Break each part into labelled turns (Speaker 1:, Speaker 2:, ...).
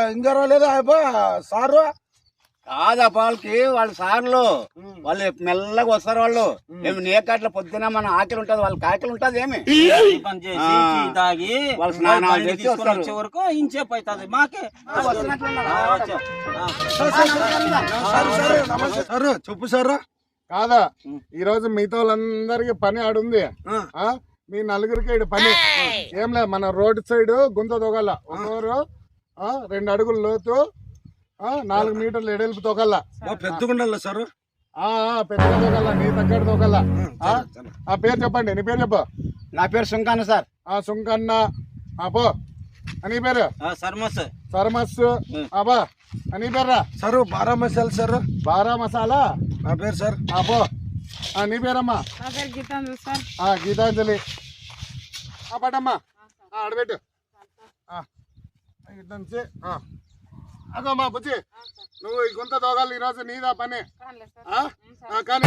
Speaker 1: ఇంకా రాలేదా సారు?
Speaker 2: కాదా వాళ్ళ సార్లు వాళ్ళు మెల్లగా వస్తారు. వాళ్ళు ఏమి నేకట్ల పొద్దున మన ఆకలి ఉంటది, వాళ్ళకి ఆకలి ఉంటది. ఏమి
Speaker 3: తాగి
Speaker 2: వాళ్ళు స్నానాలు చేసి
Speaker 3: వచ్చే వరకు ఇంచేపు అవుతుంది మాకే.
Speaker 1: సారు చెప్పు సారు.
Speaker 4: కాదా ఈరోజు మిగతా వాళ్ళందరికి పని ఆడుంది. మీ నలుగురికి ఈడు పని ఏం లేదు. మన రోడ్ సైడ్ గుంత తొగల ఒకరు 2 అడుగులు లోతు 4 మీటర్లు ఎడల్పు తొగల.
Speaker 1: పెద్దగుండాల సారు.
Speaker 4: పెద్దగా తొగల, నీ తగ్గడ తొగల. ఆ పేరు చెప్పండి. నీ పేరు చెప్పు.
Speaker 2: నా పేరు సుంకన్న సార్.
Speaker 4: సుంకన్న. పో అని పేరు సర్మస్. అబ్బా అని పేర్రా
Speaker 1: సారు. 12 మసాలా సారు.
Speaker 4: 12 మసాలా
Speaker 1: నా పేరు సార్.
Speaker 4: పో. నీ పేరమ్మా? గీతాంజలి. పట్టమ్మా ఆడబెట్టు. ఇట్నుంచి అదమ్మా బుజ్జి, నువ్వు ఈ గుంత తోగాలి ఈరోజు, నీదా పని. కానీ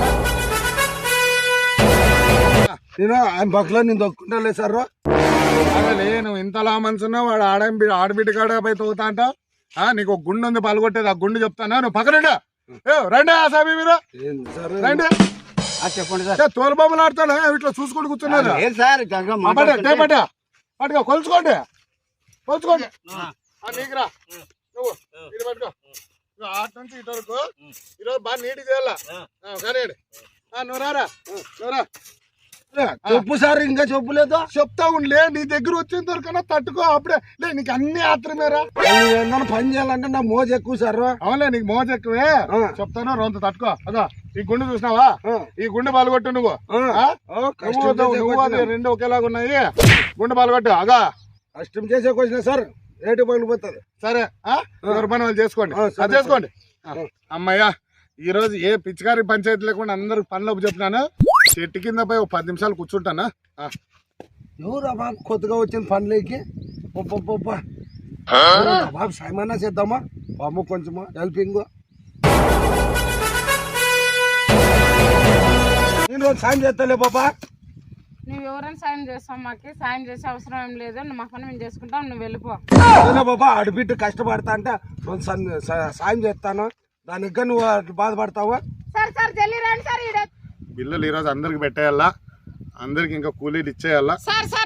Speaker 1: నేను ఆయన పక్కలో నేను దొక్కుంటా సారు.
Speaker 4: నువ్వు ఇంతలా మనసున్నావు. వాడు ఆడబిడ్డ కాడ పోయి తోగుతా అంటావు. నీకు ఒక గుండు ఉంది పాల్గొట్టేది. ఆ గుండు చెప్తానా? నువ్వు పక్కన రండి. సామి మీరు రండి.
Speaker 2: చెప్పండి సార్.
Speaker 4: తోలు బొమ్మలు ఆడుతాను ఇట్లా చూసుకుంటూ కూర్చున్నారు. పట్టుకో కొలుచుకోండి. నీకురా నువ్వు ఇది పట్టుకో. ఆట నుంచి ఇటు వరకు ఈరోజు బాగా నీట్ చేయాలా. కానీ నువ్వు రారా.
Speaker 1: చెప్పు సార్. ఇంకా చెప్పలేదు.
Speaker 4: చెప్తా ఉండలే. నీ దగ్గర వచ్చిన వరకన్నా తట్టుకో. అప్పుడే లే, నీకు అన్ని ఆత్రమేరా.
Speaker 1: ఏమన్నా పని చేయాలంటే నా మోజు ఎక్కువ సార్.
Speaker 4: అవునులే, నీకు మోజు ఎక్కువే. చెప్తాను రొంత తట్టుకో. అదా ఈ గుండు చూసినావా? ఈ గుండు పాల్గొట్టు నువ్వు. నువ్వు అది 2 ఒకేలాగా ఉన్నాయి. గుండు పాల్గొట్టు. అగా
Speaker 1: కష్టం చేసేకి వచ్చిన సార్. రేటు పగిలిపోతుంది.
Speaker 4: సరే ఎవరి పని వాళ్ళు చేసుకోండి. అది చేసుకోండి. అమ్మయ్యా, ఈ రోజు ఏ పిచ్చికారి పంచాయతీ లేకుండా అందరికి పనిలోపు చెప్పినాను. చెట్టు కింద పోయి 10 నిమిషాలు కూర్చుంటానా?
Speaker 1: ఎవరు బాబు కొత్తగా వచ్చిన పనులకి బాబు సాయమన్నా చేద్దామా? బాబు కొంచెము హెల్పింగ్. నేను రోజు సాయం చేస్తాలే బాబా.
Speaker 5: నువ్వు ఎవరైనా సాయం చేస్తావు. మాకు సాయం చేసే అవసరం ఏం లేదు. మా పని మేము చేసుకుంటాం. నువ్వు వెళ్ళిపో.
Speaker 1: బాబా ఆడబిడ్డ కష్టపడతా అంటే సాయం చేస్తాను. దానికి నువ్వు బాధపడతావా?
Speaker 4: బిల్లులు ఈరోజు అందరికి పెట్టేయాలా. అందరికి ఇంకా కూలీలు ఇచ్చేయాలా.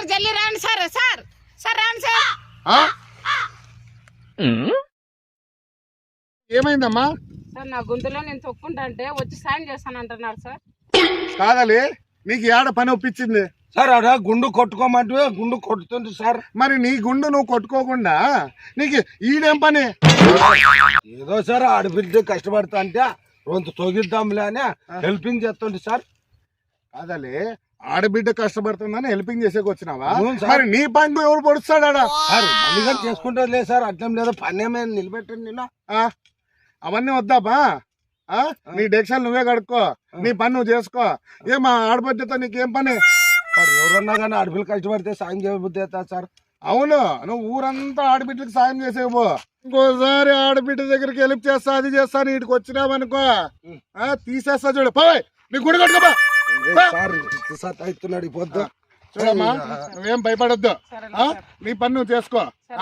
Speaker 4: ఏమైందమ్మా?
Speaker 5: సార్ నా గొంతులో నేను తొక్కుంటా అంటే వచ్చి సాయం చేస్తాను అంటున్నారు సార్.
Speaker 4: కాదలే, నీకు ఏడ పని ఒప్పించింది
Speaker 1: సార్? అడా గుండు కొట్టుకోమంటే గుండు కొట్టుతుంది సార్.
Speaker 4: మరి నీ గుండు నువ్వు కొట్టుకోకుండా నీకు ఈడేం పని?
Speaker 1: ఏదో సార్ ఆడబిడ్డ కష్టపడతా అంటే రొంత తొగిద్దాంలే అని హెల్పింగ్ చేస్తుంది సార్.
Speaker 4: కాదలే, ఆడబిడ్డ కష్టపడుతుందని హెల్పింగ్ చేసేకి వచ్చినావా? మరి నీ పని ఎవరు పొడుస్తాడా?
Speaker 1: సార్ చేసుకుంటుంది లేదు సార్. అట్లేం లేదు. పని ఏమైనా నిలబెట్టండి. నేను
Speaker 4: అవన్నీ వద్దాపా. నీ డెక్షన్లు నువ్వే కడుక్కో. నీ పని నువ్వు చేసుకో. మా ఆడబిడ్డతో నీకేం పని?
Speaker 1: సార్ ఎవరన్నా కానీ ఆడపిల్ల కష్టపడితే సాయం చేయబుద్ధి అవుతా సార్.
Speaker 4: అవును, నువ్వు ఊరంతా ఆడబిడ్డకి సాయం చేసేవు. ఇంకోసారి ఆడబిడ్డ దగ్గరికి హెల్ప్ చేస్తా, అది చేస్తా, నీటికి వచ్చినావనుకో తీసేస్తా. చూడు పోయ్, నీ గుడి కట్టుకోపా.
Speaker 1: అవుతున్నాడు ఈ పొద్దు.
Speaker 4: చూడమ్మా, నువ్వేం భయపడొద్దు. నీ పని నువ్వు చేసుకో.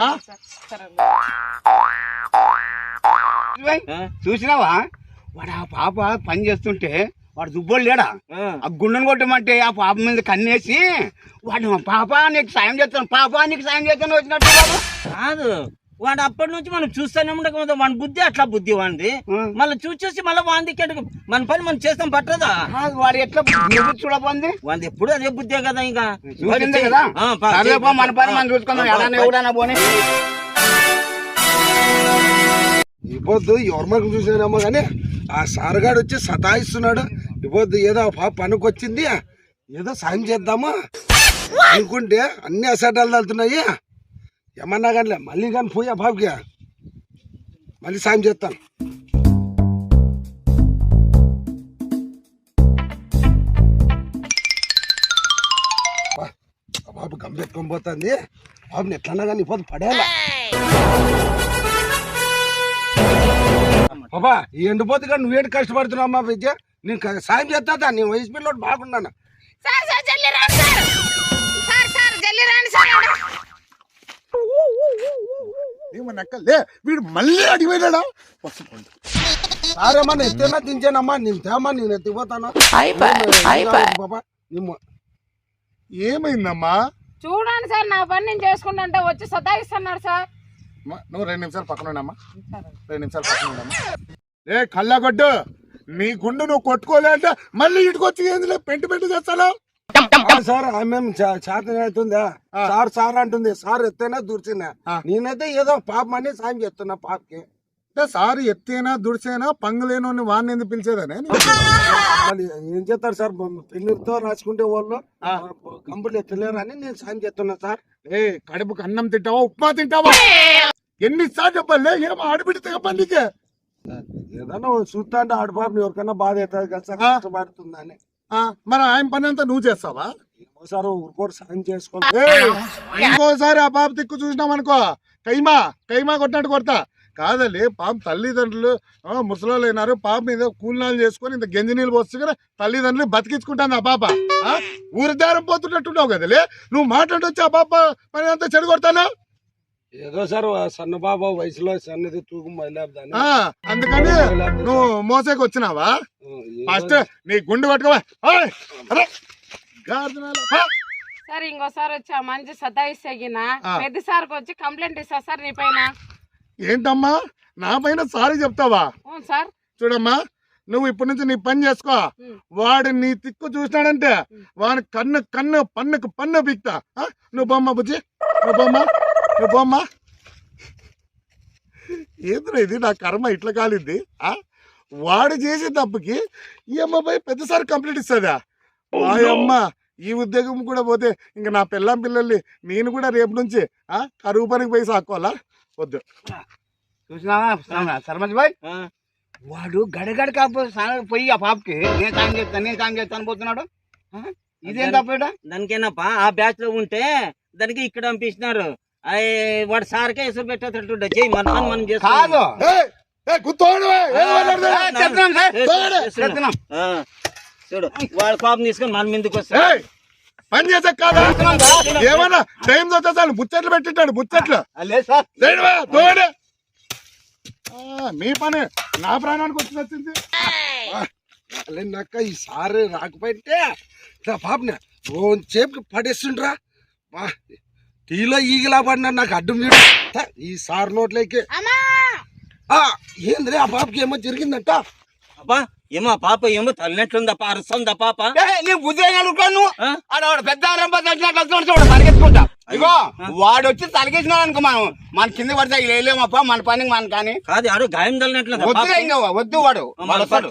Speaker 2: చూసినావా? వాడు ఆ పాప పని చేస్తుంటే వాడు దుబ్బోడు లేడా? ఆ గుండెను కొట్టమంటే ఆ పాప మీద కన్నేసి వాడు పాప నీకు సాయం చేస్తాను, పాప నీకు సాయం చేస్తాను వచ్చినట్టు
Speaker 3: కాదు. వాడు అప్పటి నుంచి మనం చూస్తూనే ఉండక వాడి బుద్ధి అట్లా బుద్ధి వాడి. మళ్ళీ చూసి మళ్ళీ వాంది మన పని మనం చేస్తాం పట్టదా?
Speaker 2: వాడు ఎట్లా చూడపోంది?
Speaker 3: వాడి ఎప్పుడు అదే బుద్ధే కదా. ఇంకా
Speaker 2: కదా మన పని మనం చూసుకుందాం. ఎలానే ఎవడన్నా పోనీ
Speaker 1: ఈ పొద్దు ఎవరి మనకు చూసానమ్మా కానీ ఆ సారగాడు వచ్చి సతాయిస్తున్నాడు. ఈ పొద్దు ఏదో పనికి వచ్చింది, ఏదో సాయం చేద్దామా అనుకుంటే అన్ని అసటాలు తగులుతున్నాయి. ఏమన్నా కానీ మళ్ళీ కానీ పోయి ఆ బాబుకి మళ్ళీ సాయం చేస్తాను. బాబు గంపెట్టుకొని పోతుంది. బాబుని ఎట్లన్నా కానీ ఈ పొద్దు పడేయాలా. బాబా ఈ ఎండిపోతే కానీ నువ్వేంటి కష్టపడుతున్నావు అమ్మా విద్య? నేను సాయం చేస్తా. నీ వయసు పిల్లలు బాగున్నాను.
Speaker 4: ఏమన్నా లే వీడు మళ్ళీ అడిగిపోయినాడా వస్తుంది
Speaker 1: సార్ ఏమన్నా ఎత్తేనా దించానమ్మా నేను తేమా నేను ఎత్తిపోతాను బాబా
Speaker 4: ఏమైందమ్మా
Speaker 5: చూడండి సార్ నా పని నేను చేసుకుంటా వచ్చి సతాయిస్తున్నారు సార్.
Speaker 4: నువ్వు 2 నిమిషాలు పక్కన ఉండమ్మా 2 నిమిషాలు పక్కన ఉండమ్మా ఏ కళ్ళగొడ్డు నీ గుండు నువ్వు కొట్టుకోలే అంటే మళ్ళీ ఇటుకొచ్చి ఏంది పెంటు చేస్తాను
Speaker 1: సార్ ఆమె చేత అవుతుందా సార్ సార్ అంటుంది సార్ ఎత్తేనా దూర్చినా నేనైతే ఏదో పాప అని సాయం చేస్తున్నా పాపకి
Speaker 4: అంటే సార్ ఎత్తేనా దుడిసేనా పంగులేను వాడిని ఎందుకు పిలిచేదనే
Speaker 1: మళ్ళీ ఏం చేస్తారు సార్ పెన్నుతో రాసుకుంటే వాళ్ళు కంపెనీ ఎత్తలేరు అని నేను సాయం చేస్తున్నా సార్.
Speaker 4: ఏ కడుపుకి అన్నం తింటావా ఉప్మా తింటావా ఎన్నిసార్లు చెప్పాలి ఏమో ఆడబిడితే చెప్పండి నీకే
Speaker 1: ఏదన్నా చూస్తా అంటే ఆడపాపని ఎవరికైనా బాధ అవుతుంది కదా సార్ కష్టపడుతుందని.
Speaker 4: మరి ఆయన పని అంతా నువ్వు చేస్తావా
Speaker 1: సార్ ఊరుకోరు సాయం చేసుకో.
Speaker 4: ఇంకోసారి ఆ పాప దిక్కు చూసినాం అనుకో కైమా కొట్టినట్టు కొడతా కాదలే పాప తల్లిదండ్రులు ముసలోళ్ళు అయినారు పాప మీద కూలినాలు చేసుకొని ఇంత గంజి నీళ్ళు పోస్తే తల్లిదండ్రులు బతికించుకుంటాను ఆ పాప ఊరిదారం పోతున్నట్టున్నావు కదలే నువ్వు మాట్లాడొచ్చి ఆ పాప పని అంతా చెడు కొడతాను
Speaker 1: ఏదో సార్ సన్న బాబా వయసులో సన్నది తూకం బయలుదేరదాన్ని
Speaker 4: అందుకని నువ్వు మోసేకి వచ్చినావా ఫస్ట్ నీ గుండు పట్టుకోవా
Speaker 5: సార్ ఇంకోసారి వచ్చి ఆ మంచి సతాయిస్తగిన పెద్ద సార్కి వచ్చి కంప్లైంట్ ఇస్తా సార్ నీ పైన.
Speaker 4: ఏంటమ్మా నా పైన సారీ చెప్తావా
Speaker 5: అవును సార్.
Speaker 4: చూడమ్మా నువ్వు ఇప్పటి నుంచి నీ పని చేసుకో వాడు నీ తిక్కు చూసినాడంటే వాడి కన్ను పన్ను పీక్తా నువ్వు బొమ్మ బుజ్జి నువ్వు బొమ్మ ఏంద్రా ఇది నా కర్మ ఇట్లా కాలింది వాడు చేసే తప్పుకి ఈ అమ్మాయి పెద్దసారి కంప్లీట్ ఇస్తుందా అమ్మ ఈ ఉద్యోగం కూడా పోతే ఇంకా నా పిల్లల్ని నేను కూడా రేపు నుంచి కరువు పనికి పోయి సాక్కోవాలా వద్దు
Speaker 2: చూసినావా సర్పంచ్ బాయ్ వాడు గడగడ కాకపోతే పోయి ఆ పాపకి నేను సాయం చేస్తాను పోతున్నాడు. ఇదేం తప్ప
Speaker 3: దానికేనప్పా ఆ బ్యాచ్ లో ఉంటే దానికి ఇక్కడ పంపిస్తున్నారు వాడు సార్కే ఎసురు పెట్టేటట్టు చెయ్యి మన పని మనం
Speaker 2: కాదు
Speaker 3: చూడు వాడు పాపం తీసుకొని మన మీదకి వస్తా
Speaker 4: పని చేసే కాదా ఏమన్నా టైం చాలు ముచ్చట్లు పెట్టింటాడు ముచ్చట్లు మీ పని నా ప్రాణానికి వచ్చి వచ్చింది
Speaker 1: నక్క ఈ సారి రాకపోతే పాపని చేపకి పడేస్తుండ్రా టీలో ఈగలా పడినా నాకు అడ్డం చూడు ఈ సార్ నోట్లోకి ఏంద్రే ఆ పాపకి ఏమో జరిగిందంట
Speaker 3: అబ్బా ఏమో పాప ఏమో తల్లినట్లుందప్ప అరుస్తుందా పాప
Speaker 2: నేను ఉద్యోగాలు పెద్ద పరిగెత్తుకుంటా ఇగో వాడు వచ్చి తలకేసినాడు అనుకో మన కింద పడితే వేయలేమప్ప మన పని మన కానీ
Speaker 3: కాదు ఆడు గాయం తల్లినట్లు
Speaker 2: వద్దు వాడు వస్తాడు.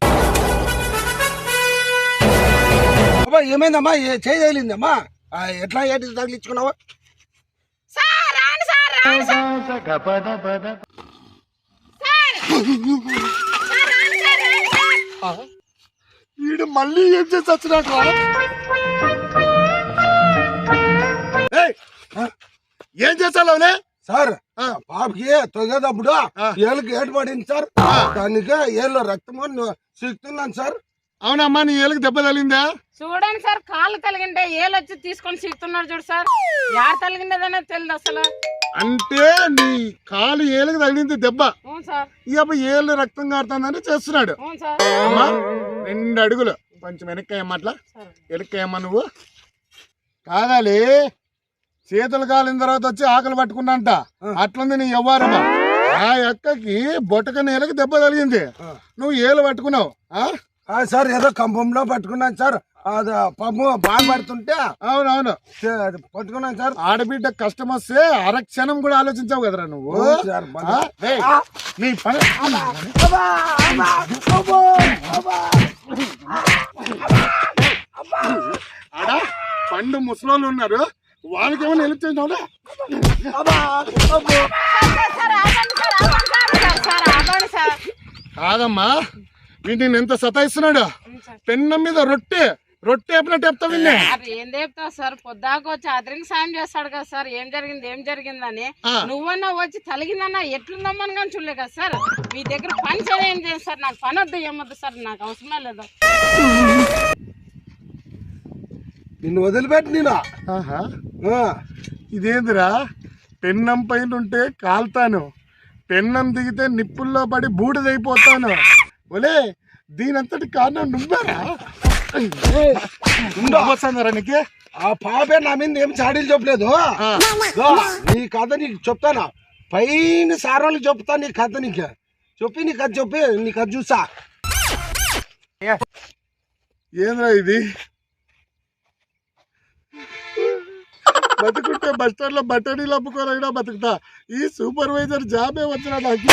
Speaker 1: ఏమైందమ్మా చేయలేదమ్మా ఎట్లా ఏంటి తగిలించుకున్నావా
Speaker 4: వీడు మళ్ళీ ఏం చేసి వచ్చినట్టు ఏం చేస్తావులే
Speaker 1: సార్ పాపకి తొగేటప్పుడు ఏళ్ళకి ఏటు పడింది సార్ దానికి ఏళ్ళలో రక్తము సిక్కుతున్నాను సార్.
Speaker 4: అవునమ్మా నీ ఏళ్ళకి దెబ్బ తగిలిందా
Speaker 5: చూడండి సార్ కాళ్ళు తలిగింటే ఏళ్ళు వచ్చి తీసుకొని సిక్కుతున్నాడు చూడు సార్ యారు తలిగిండేదనే తెలియదు అసలు.
Speaker 4: అంటే నీ కాలు ఏళ్ళకి తగిలింది దెబ్బ ఈ అబ్బాయి ఏళ్ళు రక్తం కారుతుందని చేస్తున్నాడు. అమ్మా 2 అడుగులు కొంచెం వెనక్కేయమ్మా అట్లా వెనక్కేయమ్మా నువ్వు కాదాలి చేతులు కాలిన తర్వాత వచ్చి ఆకలి పట్టుకున్నంట అట్లుంది నీ వ్యవహారమా ఆ అక్కకి బొట్టక నేలకి దెబ్బ తగిలింది నువ్వు ఏళ్ళు పట్టుకున్నావు
Speaker 1: సార్ ఏదో కంపంలో పట్టుకున్నాను సార్ అది పాపం బాగా పడుతుంటే
Speaker 4: అవునవును
Speaker 1: పట్టుకున్నాను సార్.
Speaker 4: ఆడబిడ్డ కష్టం వస్తే అరక్షణం కూడా ఆలోచించావు కదరా నువ్వు నీ పని ఆడ పండు ముసలోళ్ళు ఉన్నారు వాళ్ళకి ఏమైనా హెల్ప్ చేసినావులే కాదమ్మా వీటిని ఎంత సతాయిస్తున్నాడు పెన్నం మీద రొట్టె వేపినట్టు చెప్తావు
Speaker 5: ఏం చెప్తావు సార్ పొద్దాకు వచ్చి అతనికి సాయం చేస్తాడు కదా సార్ ఏం జరిగిందని నువ్వన్నా వచ్చి తలిగిందన్నా ఎట్లుందమ్మని కానీ చూడలే కదా సార్ మీ దగ్గర పని ఏం చేయండి సార్ నాకు పని వద్దు ఏమొద్దు సార్ నాకు అవసరమే లేదు.
Speaker 1: నిన్ను వదిలిపెట్టి నేను
Speaker 4: ఇదేందిరా పెన్నం పైన ఉంటే కాల్తాను, పెన్నం దిగితే నిప్పుల్లో పడి బూడిదైపోతాను. ఒలే దీనంతటి కారణం నువ్వేరా? వస్తుందరా నీకు?
Speaker 1: ఆ పాపే నా మీద ఏం చాడీలు చెప్పలేదు. దో, నీ కథ నీకు చెప్తానా, పైన సారాలు చెప్తా నీ కథ. నీకు చెప్పి నీ కథ చెప్పి నీ కథ చూసా.
Speaker 4: ఏంద్రా ఇది? బతుకుంటే బస్ స్టాండ్ లో బట్టడీలు అమ్ముకోలేదా బతుకుతా. ఈ సూపర్వైజర్ జాబే వచ్చిన నాకు.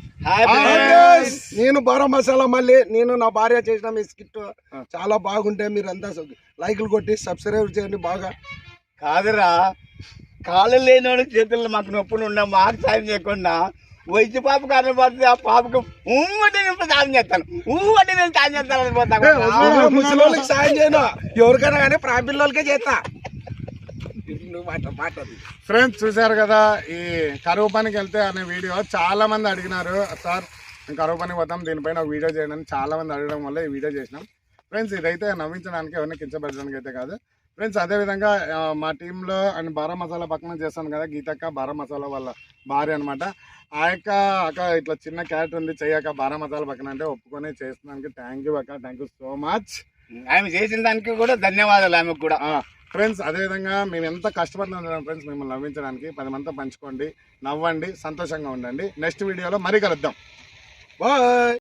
Speaker 1: నేను బారా మసాలా మళ్ళీ నేను నా భార్య చేసిన మీ స్కిట్ చాలా బాగుంటే మీరంతా లైకులు కొట్టి సబ్స్క్రైబ్ చేయండి బాగా.
Speaker 2: కాదురా, కాళ్ళు లేనివాడు చేతుల్లో మాకు నొప్పులు ఉన్నా మాకు సాయం చేయకుండా వయసు పాప కారణం పడితే ఆ పాపకు అంటే నేను సాయం చేస్తాను, అంటే నేను సాయం చేస్తాను పోతాను.
Speaker 1: ముసలి వాళ్ళకి సాయం చేయను, ఎవరికైనా కానీ ప్రాంపిల్లలకే చేస్తా.
Speaker 4: ఫ్రెండ్స్ చూశారు కదా, ఈ కరువు పనికి వెళ్తే అనే వీడియో చాలా మంది అడిగినారు. సార్ మేము కరువు పనికి పోతాం, దీనిపైన ఒక వీడియో చేయడానికి చాలా మంది అడగడం వల్ల ఈ వీడియో చేసినాం. ఫ్రెండ్స్ ఇదైతే నవ్వించడానికి, ఎవరిని కించపరచడానికి అయితే కాదు. ఫ్రెండ్స్ అదేవిధంగా మా టీంలో అండ్ బారా మసాలా పక్కన చేస్తాను కదా, గీతక్క బారా మసాలా వాళ్ళ భార్య అనమాట. ఆ యొక్క అక్క ఇట్లా చిన్న క్యారెక్టర్ ఉంది, చెయ్యక బారా మసాలా పక్కన అంటే ఒప్పుకొని చేస్తున్నానికి థ్యాంక్ యూ అక్క, థ్యాంక్ యూ సో మచ్.
Speaker 2: ఆమె చేసిన దానికి కూడా ధన్యవాదాలు ఆమెకు కూడా.
Speaker 4: ఫ్రెండ్స్ అదేవిధంగా మేము ఎంత కష్టపడుతున్నాం ఫ్రెండ్స్ మిమ్మల్ని నవ్వించడానికి. 10 మందితో పంచుకోండి, నవ్వండి, సంతోషంగా ఉండండి. నెక్స్ట్ వీడియోలో మరీ కలుద్దాం.
Speaker 1: బాయ్.